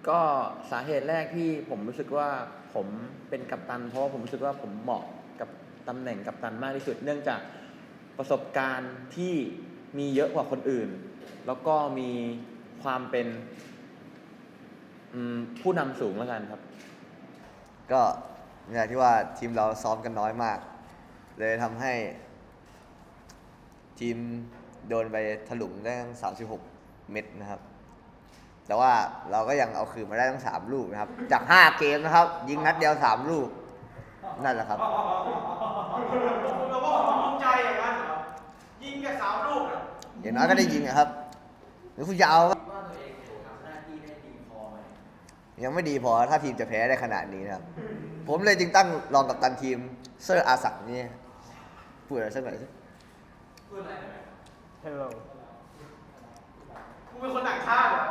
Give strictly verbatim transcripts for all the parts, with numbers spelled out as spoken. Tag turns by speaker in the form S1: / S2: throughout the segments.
S1: ก็สาเหตุแรกที่ผมรู้สึกว่าผมเป็นกัปตันเพราะว่าผมรู้สึกว่าผมเหมาะกับตำแหน่งกัปตันมากที่สุด เนื่องจากประสบการณ์ที่มีเยอะกว่าคนอื่น แล้วก็มีความเป็นผู้นำสูงแล้วกันครับ
S2: ก็อย่างที่ว่าทีมเราซ้อมกันน้อยมาก เลยทำให้ทีมโดนไปถลุงได้ทั้งสามสิบหกเม็ดนะครับแต่ว่าเราก็ยังเอาคืนมาได้ทั้งสามลูกนะครับจากห้าเกมนะครับยิงนัดเดียวสามลูกนั่นแหละครับ
S3: คุณบอกว่าคุณภูมิใจอย่างนั้นเหรอยิงแค่สามลูกอ่ะ
S2: อย่างน้อยก็ได้ยิงนะครับหรือคุณจะเอา
S1: ว่าตัวเองทำหน้าที่ได้ดีพอไหม
S2: ยังไม่ดีพอถ้าทีมจะแพ้ได้ขนาดนี้นะครับผมเลยจึงตั้งรองกัปตันทีมเซอร์อาศักนี่พูดอะไรสักหน่อยสิ
S3: พูดอะไรหน่อย
S1: Hello
S3: คุณเป็นคนต่างชาติเหรอ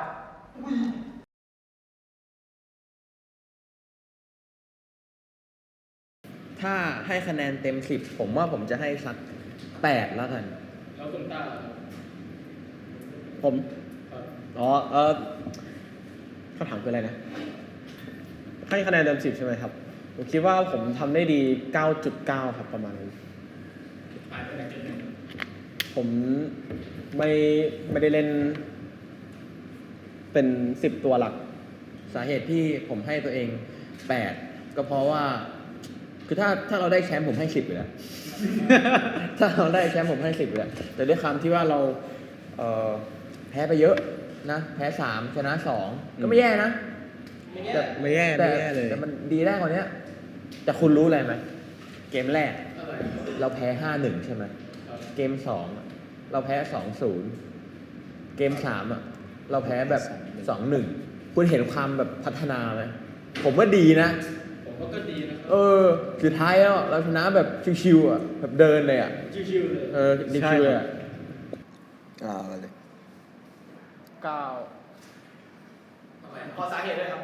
S1: ถ้าให้คะแนนเต็มสิบผมว่าผมจะให้สักแปดแล้วกัน
S3: แล้วคุณต้า
S4: ผมอ๋อเออคำถามคืออะไรนะให้คะแนนเต็มสิบใช่ไหมครับผมคิดว่าผมทำได้ดี เก้าจุดเก้า ครับประมาณนั้นผมไม่ไม่ได้เล่นเป็นสิบตัวหลัก
S1: สาเหตุที่ผมให้ตัวเองแปดก็เพราะว่าคือถ้าถ้าเราได้แชมป์ผมให้สิบอยู่แล้ว ถ้าเราได้แชมป์ผมให้สิบอยู่แล้วแต่ด้วยคำที่ว่าเราเอ่อแพ้ไปเยอะนะแพ้สามชนะสองก็ไม่แย่นะ
S4: แต่ไม่แย่ไม่แย่เลย
S1: แต่มันดีได้กว่านี้แต่คุณรู้อะไรไหมเกมแรกเราแพ้ห้าหนึ่งใช่ไหมเกมสองเราแพ้สองศูนย์เกมสามอ่ะเราแพ้แบบสองหนึ่งคุณเห็นความแบบพัฒนาไหมผมว่าดีนะ
S3: ผมว่าก็ดีนะ
S1: เออสุดท้ายแล้วเราชนะแบบชิวๆอ่ะแบบเดินเลยอ่ะ
S3: ชิวๆเลย
S1: เออดีชิวเลยอ่ะ
S2: อ่าเลย
S4: เก้า
S3: ทำไมขอสาเหตุด้วยครับ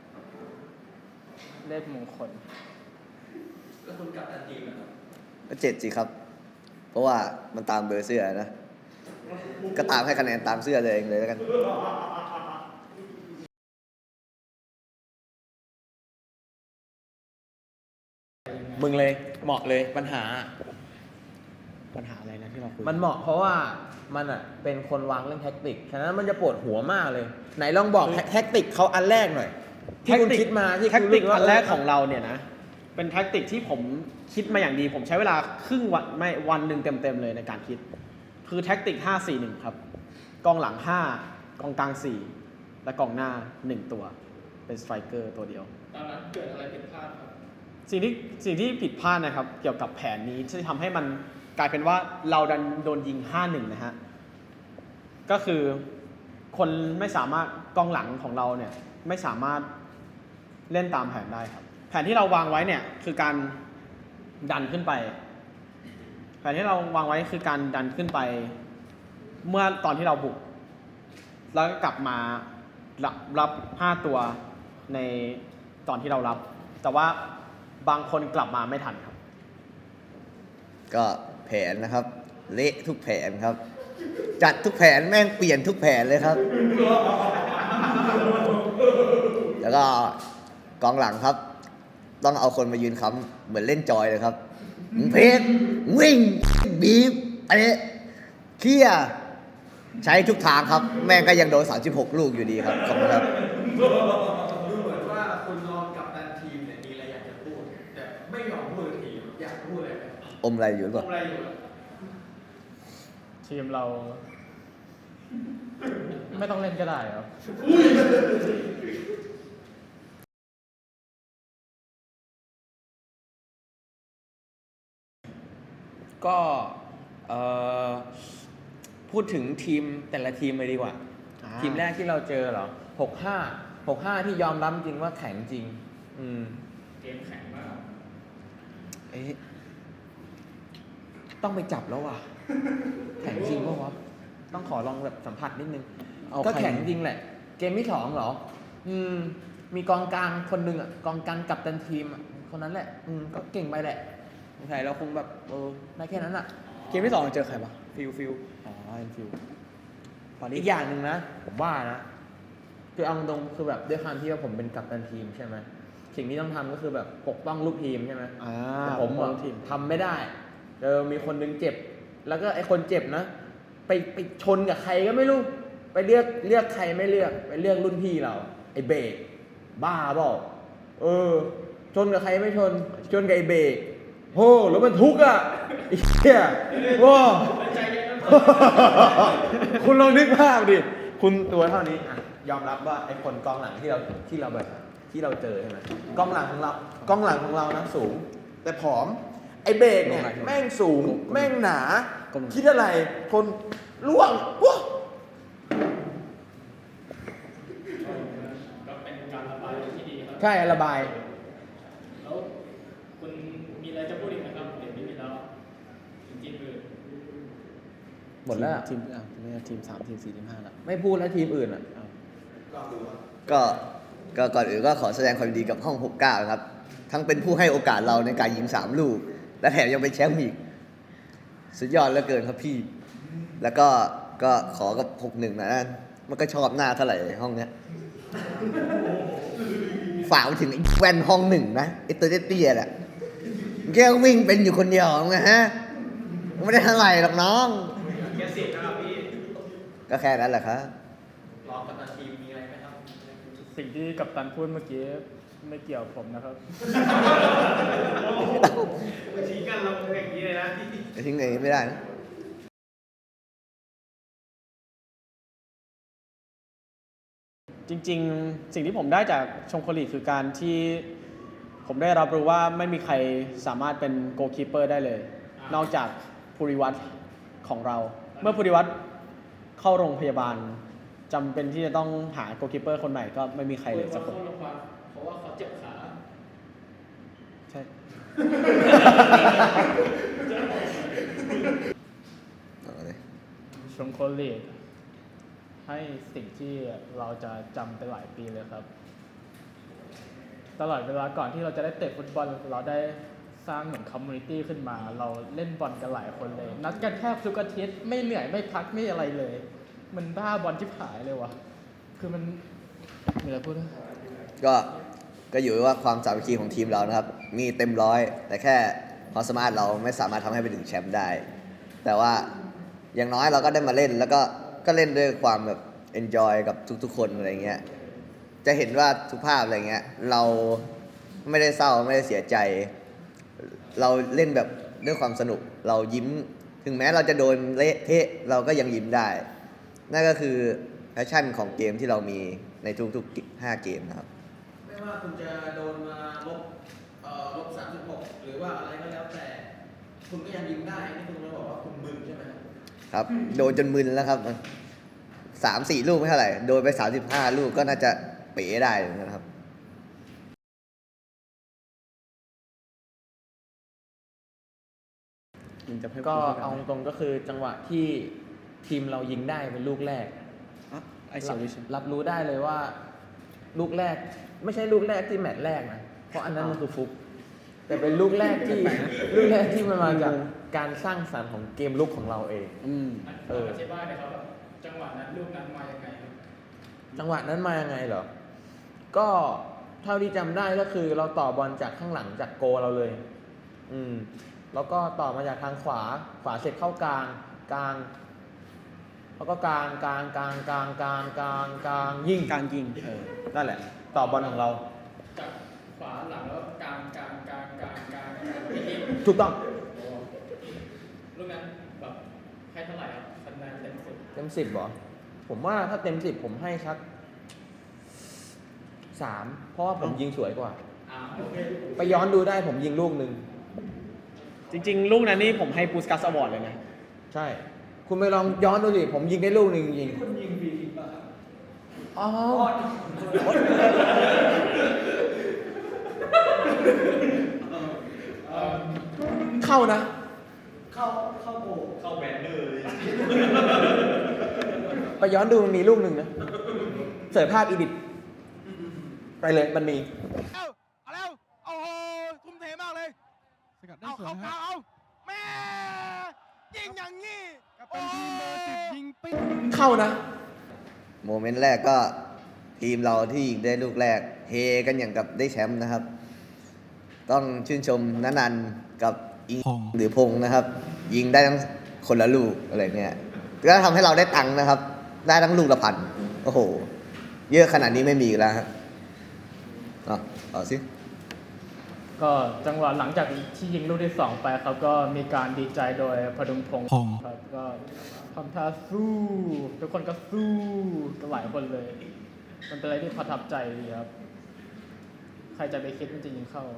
S4: เลขมงคล
S3: แล้วคุณกัปตันทีมนะครับ
S2: ก็เจ็ดสิครับเพราะว่ามันตามเบอร์เสื้อนะก็ตามให้คะแนนตามเสื้อเลยเองเลยแล้วกัน
S1: มึงเลยเหมาะเลยปัญหา
S4: ปัญหาอะไรนะที่เราคุย
S1: มันเหมาะเพราะว่ามันอ่ะเป็นคนวางเรื่องแท็กติกฉะนั้นมันจะปวดหัวมากเลยไหนลองบอกแท็กติกเขาอันแรกหน่อยที่คุณคิดมาที่
S4: แท็กติกอันแรกของเราเนี่ยนะเป็นแท็กติกที่ผมคิดมาอย่างดีผมใช้เวลาครึ่งวันไม่วันหนึ่งเต็มๆเลยในการคิดคือแท็กติกห้า สี่ หนึ่งครับกองหลังห้ากองกลางสี่และกองหน้าหนึ่งตัวเป็นสไตรเกอร์ตัวเดียว
S3: ตอนนั้นเกิดอะไรผิดพลาดครับ
S4: สิ่งที่สิ่งที่ผิดพลาดนะครับเกี่ยวกับแผนนี้ที่ทำให้มันกลายเป็นว่าเราดันโดนยิง ห้าหนึ่ง นะฮะก็คือคนไม่สามารถกองหลังของเราเนี่ยไม่สามารถเล่นตามแผนได้ครับแผนที่เราวางไว้เนี่ยคือการดันขึ้นไปแผนที่เราวางไว้คือการดันขึ้นไปเมื่อตอนที่เราบุกแล้วก็กลับมารับรับห้าตัวในตอนที่เรารับแต่ว่าบางคนกลับมาไม่ทันครับ
S2: ก็แผนนะครับเละทุกแผนครับจัดทุกแผนแม่งเปลี่ยนทุกแผนเลยครับแล้วก็กองหลังครับต้องเอาคนมายืนค้ำเหมือนเล่นจอยเลยครับเพจวิ่งบีบอันนี้เคลียร์ใช้ทุกทางครับแม่งก็ยังโดนสามสิบหกลูกอยู่ดีครับขอบคุณครับ
S3: ดูเหมือนว่าคุณรองกัปตันทีมเนี่ยมีอะไรอยากจะพูดแต่ไม่ยอมพูดทีอยากพูดอะไร
S2: อมอะไรอยู่หรือเปล่า
S3: อมอะไรอยู่
S4: ทีมเราไม่ต้องเล่นก็ได้ครับ
S1: ก็พูดถึงทีมแต่ละทีมเลยดีกว่าทีมแรกที่เราเจอเหรอหกห้า หกห้าที่ยอมรับจริงว่าแข็งจริงอืม
S3: เกมแข็งมาก
S1: เอ๊ะต้องไปจับแล้วว่ะแข็งจริงป่ะวะต้องขอลองแบบสัมผัสนิดนึงก็แข็งจริงแหละเกมที่สองเหรออืมมีกองกลางคนหนึ่งอ่ะกองกลางกัปตันทีมคนนั้นแหละอืมก็เก่งไปแหละใช่เราคงแบบเออได้แค่นั้นอ่ะ
S4: เกมที่สองเจอใครปะ
S1: ฟิลฟิล
S4: อ๋อฟิล
S1: อีกอย่างหนึ่งนะผมว่านะคือเอาตรงๆคือแบบด้วยความที่ว่าผมเป็นกัปตันทีมใช่ไหมสิ่งที่ต้องทำก็คือแบบปกป้องลูกทีมใช่ไหม
S4: อ่า
S1: แต่ผม
S4: มอ
S1: อะ
S4: งทีม
S1: ทำไม่ได้เออมีคนนึงเจ็บ แล้วก็ไอคนเจ็บนะ ไปไปชนกับใครก็ไม่รู้ ไปเลือกเลือกใครไม่เลือก ไปเลือกรุ่นพี่เรา ไอเบรกบ้าเปล่าเออ ชนกับใครไม่ชน ชนกับไอเบรกโหแล้วมันทุกข์อ่ะไอ้เหี้ยว้า คุณลองนึกภาพดิ คุณตัวเท่านี้อ่ะยอมรับว่าไอ้คนกองหลังที่เราที่เราแบบที่เราเจอใช่ไหมกองหลังของเรากองหลังของเรานะสูง แต่ผอม ไอ้เบรกเนี่ยแม่งสูง แม่งหนา คิดอะไร คนล่วงว้า
S5: ก็เป็นการระบายที่ดีครับ
S1: ใช่ระบาย
S5: แล้วคุณมีอะไรจะพูดอีกไหมครับเดี๋ยวไม่มีแล้วถึงทีมอื่น
S1: หมดแล้วอะ
S4: ทีมอ่ะไม่ใช่ทีมสามทีมสี่ทีมห้าละ
S1: ไม่พูดแล้วทีมอื่นอ่ะ
S2: ก็ก็ก่อนอื่นก็ขอแสดงความยินดีกับห้องหกเก้าครับ ทั้งเป็นผู้ให้โอกาสเราในการยิงสามลูก และแถมยังเป็นแชมป์อีก สุดยอดเหลือเกินครับพี่ แล้วก็ก็ขอกับหกหนึ่งนะนั่นมันก็ชอบหน้าเท่าไหร่ห้องเนี้ย ฝากไปถึงไอ้แว่นห้องหนึ่งนะไอ้ตัวเตี้ยๆแหละแกวิ่งเป็นอยู่คนเดียวไงฮะไม่ได้เท่าไหร่หรอกน้อง
S3: แค่สิบนะครับพี่
S2: ก็แค่นั้นแหละครับ
S3: รองกัปตันทีมมีอะไรไหมครับ
S5: สิ่งที่กัปตันพูดเมื่อกี้ไม่เกี่ยวกับผมนะครับ
S3: ชี้กันเราอย่างนี้เลยนะ
S2: ทิ้งอย่างนี้ไม่ได้นะ
S4: จริงๆ สิ่งที่ผมได้จากชมโคลีคือการที่ผมได้รับรู้ว่าไม่มีใครสามารถเป็นโกลคีเปอร์ได้เลย นอกจากภูริวัตรของเรา เมื่อภูริวัตรเข้าโรงพยาบาลจำเป็นที่จะต้องหาโกลคีเปอร์คนใหม่ก็ไม่มีใครเลยสักคน
S5: เพราะว่าเขาเจ็บขา
S4: ใช่
S2: เอาเลย
S5: ชมโคลีให้สิ่งที่เราจะจำไปหลายปีเลยครับ ตลอดเวลาก่อนที่เราจะได้เตะฟุตบอลเราได้สร้างเหมือนคอมมูนิตี้ขึ้นมา เราเล่นบอลกันหลายคนเลย นัดกันแทบทุกอาทิตย์ไม่เหนื่อยไม่พักไม่อะไรเลย มันบ้าบอลที่ผายเลยวะคือมันมีอะไรพูดนะ
S2: ก็ก็อยู่ที่ว่าความสามัคคีของทีมเรานะครับ มีเต็มร้อย แต่แค่ความสามารถเราไม่สามารถทำให้ไปถึงแชมป์ได้ แต่ว่าอย่างน้อยเราก็ได้มาเล่น แล้วก็ก็เล่นด้วยความแบบเอนจอยกับทุกๆคนอะไรเงี้ย จะเห็นว่าทุกภาพอะไรเงี้ย เราไม่ได้เศร้าไม่ได้เสียใจ เราเล่นแบบด้วยความสนุก เรายิ้ม ถึงแม้เราจะโดนเละเทะเราก็ยังยิ้มได้ นั่นก็คือแพชชั่นของเกมที่เรามีในทุกๆห้าเกมนะครับ
S1: ไม่ว่าคุณจะโดนมาลบเอ่อลบสามสิบหกหรือว่าอะไรก็แล้วแต่ คุณก็ยังยิงได้นี่คุณมาบอกว่าคุณมึนใช่ไหมครับ
S2: ครับ โดนจนมึนแล้วครับสามสี่ลูกไม่เท่าไหร่ โดนไปสามสิบห้าลูกก็น่าจะเป๋ได้นะครับ
S1: ก็เอาตรงๆก็คือจังหวะที่ทีมเรายิงได้เป็นลูกแรก
S4: ไอเซอร์วิช
S1: รับรู้ได้เลยว่า ลูกแรก ไม่ใช่ลูกแรกที่แมตช์แรกนะเพราะอันนั้นมันคือฟุกแต่เป็นลูกแรกที่ลูกแรกที่มันมาจากการสร้างสรรค์ของเกมลุกของเราเอง
S4: อืม
S1: เออ
S5: อธิบายหน่อยครับว่าจังหวะนั้นลูกนั้นมายังไงครับ
S1: จังหวะนั้นมายังไงเหรอ ก็เท่าที่จำได้ก็คือเราต่อบอลจากข้างหลังจากโกเราเลย อืม แล้วก็ต่อมาจากทางขวา ขวาเสร็จเข้ากลาง กลาง แล้วก็กลาง กลาง กลาง กลาง กลาง กลาง กลาง ยิง
S4: การยิง
S1: เออ นั่นแหละ ต่อบอลของเรา
S5: จากขวาหลังแล้วกลางกลางกลางกลางกลางกลางที่นี่
S1: ถูกต้อง
S5: ลูกนั้นแบบให้เท่าไหร่ครับคะแนนเต็มสิบ
S1: เต็มสิบเหรอ ผมว่าถ้าเต็มสิบผมให้สักสาม เพราะว่าผมยิงสวยกว่า
S5: อ่าโอเค
S1: ไปย้อนดูได้ผมยิงลูกหนึ่ง
S4: จริงๆ ลูกนั้นนี่ผมให้ปูสกัสอวอร์ดเลยนะ
S1: ใช่ คุณไปลองย้อนดูสิ ผมยิงได้ลูกหนึ่งยิง
S3: คุณยิงฟรีคิกป่ะ
S1: อ๋อ เข้านะ
S3: เข้าเข้าโบเข้าแบนเนอร์เลย
S1: ไปย้อนดูมันมีลูกหนึ่งนะ เสิร์ฟภาพอีดิทไปเลยมันมี
S6: เอาเอาแล้วโอ้โหทุ่มเทมากเลยสกัดได้สวยนะเอาเอาแม่ยิงอย่างงี้กับเป็นทีมเบอร์สิบยิงปิ๊ก
S1: เข้านะ
S2: โมเมนต์แรกก็ทีมเราที่ยิงได้ลูกแรกเฮกันอย่างกับได้แชมป์นะครับ ต้องชื่นชมนันนันกับอิง
S6: พงษ์
S2: หรือพงษ์นะครับ ยิงได้ทั้งคนละลูกอะไรเงี้ยก็ทำให้เราได้ตังค์นะครับ ได้ทั้งลูกละพันโอ้โห เยอะขนาดนี้ไม่มีอีกแล้วฮะเอาเอาสิ
S5: ก็จังหวะหลังจากที่ยิงลูกที่สองไปครับก็มีการดีใจโดยพดุงพงศ์
S6: พงษ์
S5: ครับก็ทำท่าสู้ ทุกคนก็สู้กันหลายคนเลย มันเป็นอะไรที่ประทับใจดีครับ ใครจะไปคิดมันจะยิงเข้า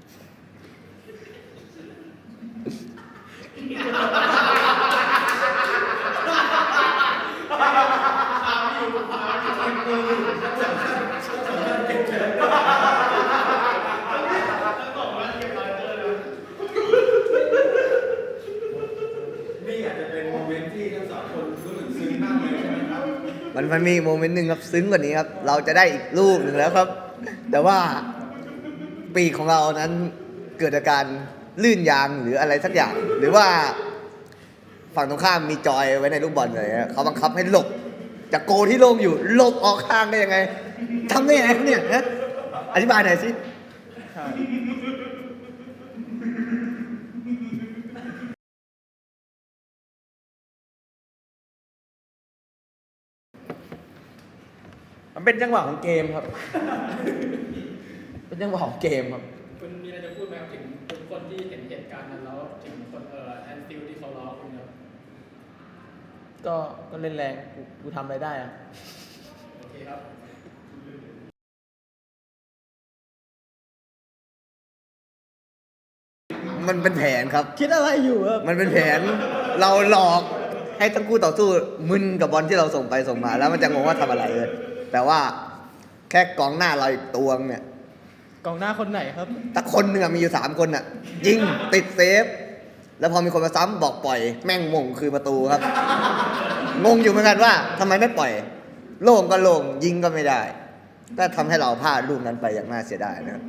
S3: นี่อาจจะเป็นโมเมนต์ที่ทั้งสองคนรู้สึกซึ้งมากเลยใช่ไหมครับ
S2: มันมันมีโมเมนต์หนึ่งครับซึ้งกว่านี้ครับ เราจะได้อีกลูกหนึ่งแล้วครับ แต่ว่าปีกของเรานั้นเกิดอาการลื่นยางหรืออะไรสักอย่าง หรือว่าฝั่งตรงข้ามมีจอยไว้ในลูกบอลเลยฮะเขาบังคับให้หลบจากโกที่โล่งอยู่หลบออกข้างได้ยังไงทำได้ยังไงครับเนี่ยฮะอธิบายหน่อยสิ
S1: มันเป็นจังหวะของเกมครับ เป็นจังหวะของเกมครับ
S5: คุณมีอะไรจะพูดไหมครับถึงทุกคนที่เห็นเหตุการณ์นั้นแล้วถึงคนเอ่อแอนฟิลที่เขาล้อคุณครับ
S1: ก็ก็เล่นแรงกูกูทำอะไรได้อะ
S5: โอเคครับ
S2: มันเป็นแผนครับ
S1: คิดอะไรอยู่ครับ
S2: มันเป็นแผนเราหลอกให้ทั้งคู่ต่อสู้มึนกับบอลที่เราส่งไปส่งมา แล้วมันจะงงว่าทำอะไรเลยแต่ว่าแค่กองหน้าเราอีกตัวเนี่ย
S5: กองหน้าคนไหนครับ
S2: ถ้าคนหนึ่งอะมีอยู่สามคนอะยิงติดเซฟ แล้วพอมีคนมาซ้ำบอกปล่อย แม่งมงคือประตูครับ งงอยู่เหมือนกันว่าทำไมไม่ปล่อย โล่งก็โล่งยิงก็ไม่ได้ก็ทำให้เราพลาดลูกนั้นไปอย่างน่าเสียดายนะครับ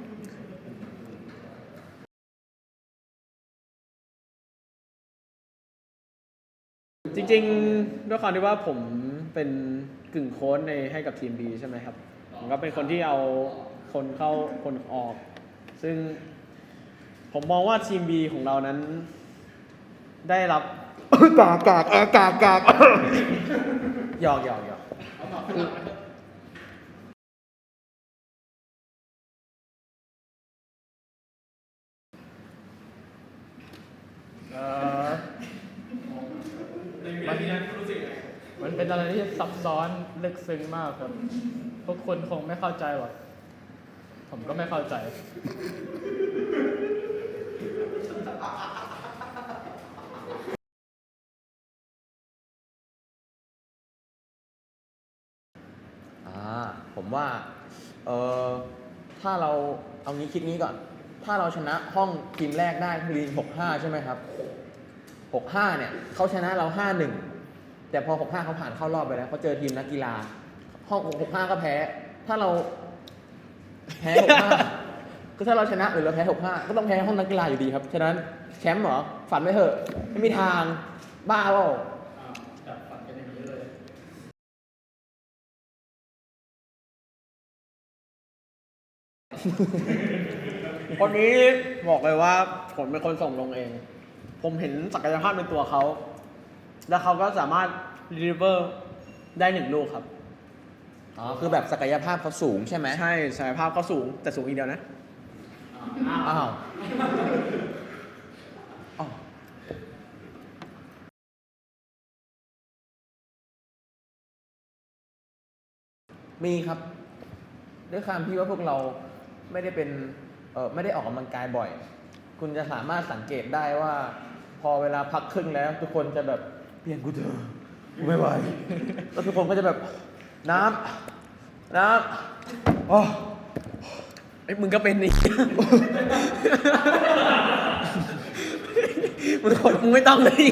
S4: จริงๆด้วยความที่ว่าผมเป็นกึ่งโค้ชในให้กับทีม B ใช่ไหมครับผมก็เป็นคนที่เอาคนเข้าคนออก ซึ่งผมมองว่าทีม B ของเรานั้น ได้รับ
S2: กากกากเออกากกาก
S1: หยอกหยอกหยอก
S5: เอ่อมันมันเป็นอะไรที่ซับซ้อนลึกซึ้งมากครับ พวกคนคงไม่เข้าใจหรอก ผมก็ไม่เข้าใจ
S1: อ่าผมว่าเออถ้าเราเอางี้คิดงี้ก่อน ถ้าเราชนะห้องทีมแรกได้คือลีนหกห้าใช่ไหมครับหกห้าเนี่ยเขาชนะเราห้าหนึ่งแต่พอหกห้าเขาผ่านเข้ารอบไปแล้วเขาเจอทีมนักกีฬา ห้องหกห้าก็แพ้ ถ้าเราแพ้หกห้า ก็ถ้าเราชนะหรือเราแพ้หกห้าก็ต้องแพ้ห้องนักกีฬาอยู่ดีครับ ฉะนั้นแชมป์เหรอ ฝันไม่เถอะ ไม่มีทาง บ้าเปล่า
S5: จับฝันกันอย่างนี้เลย
S4: คนนี้บอกเลยว่าผมเป็นคนส่งลงเอง ผมเห็นศักยภาพในตัวเขา แล้วเขาก็สามารถรีเวอร์ได้หนึ่งลูกครับ
S1: อ๋อ คือแบบศักยภาพเขาสูงใช่ไหม
S4: ใช่ศักยภาพเขาสูงแต่สูงอีกเดียวนะ
S1: อ้าวอ้าวมีครับ ด้วยความที่ว่าพวกเราไม่ได้เป็นเออไม่ได้ออกกำลังกายบ่อย คุณจะสามารถสังเกตได้ว่า พอเวลาพักครึ่งแล้ว ทุกคนจะแบบเปลี่ยนกูเถอะกูไม่ไหว แล้วทุกคนก็จะแบบน้ำน้ำอ๋อ
S4: ไอ้ยมึงก็เป็นนี่ มึงมึงไม่ต้องเลย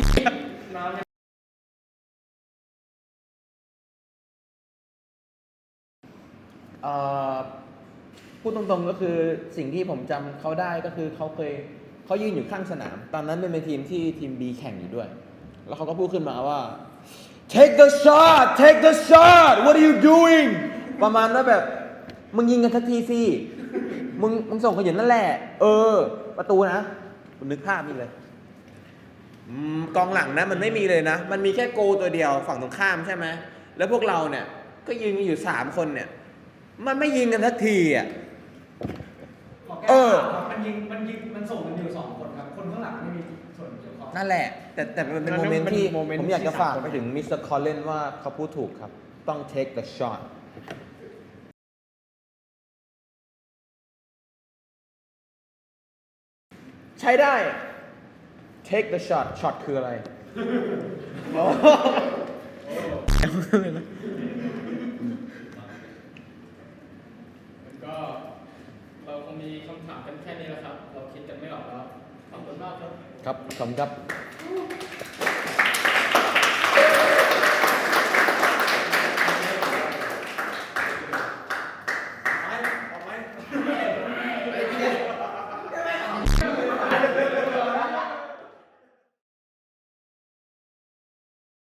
S1: เอ่อพูดตรงๆก็คือสิ่งที่ผมจำเขาได้ก็คือเขาเคยเขายืนอยู่ข้างสนาม ตอนนั้นเป็นทีมที่ทีม B แข่งอยู่ด้วย แล้วเขาก็พูดขึ้นมาว่า take the shot take the shot what are you doing ประมาณว่าแบบ มึงยิงกันสักทีสิ มึงมึงส่งเขาอยู่นั่นแหละ เออ ประตูนะคุณนึกภาพนี่เลย
S7: อืมกองหลังนะมันไม่มีเลยนะ มันมีแค่โกตัวเดียวฝั่งตรงข้ามใช่ไหมแล้วพวกเราเนี่ย ก็ยืนกันอยู่สามคนเนี่ย มันไม่ยิงกันสักทีอ่ะ
S3: ขอแก้
S1: เออ
S3: ข่าวครับมันยิงมันยิงมันส่งกันอยู่สองคนครับ คนข้างหลังไม่มีส่วนเกี่ยวข้อง
S1: นั่นแหละ แต่แต่มันเป็น
S4: มัน
S1: โมเมนต์
S4: เป็น
S1: ที่
S4: โมเมนต์
S1: ผมอยากจะ
S4: ที่
S1: ฝาก
S4: สามคน
S1: ไปถึงมิสเตอร์คอลเลนว่าเขาพูดถูกครับ ต้อง take the shot ใช้ได้ take the shot shot คืออะไร
S5: ก็เราคงมีคำถามกันแค่นี้แหละครับ เราคิดกันไม่ออกแล้ว ขอบคุณมากครับ
S1: ครับขอบคุณครับ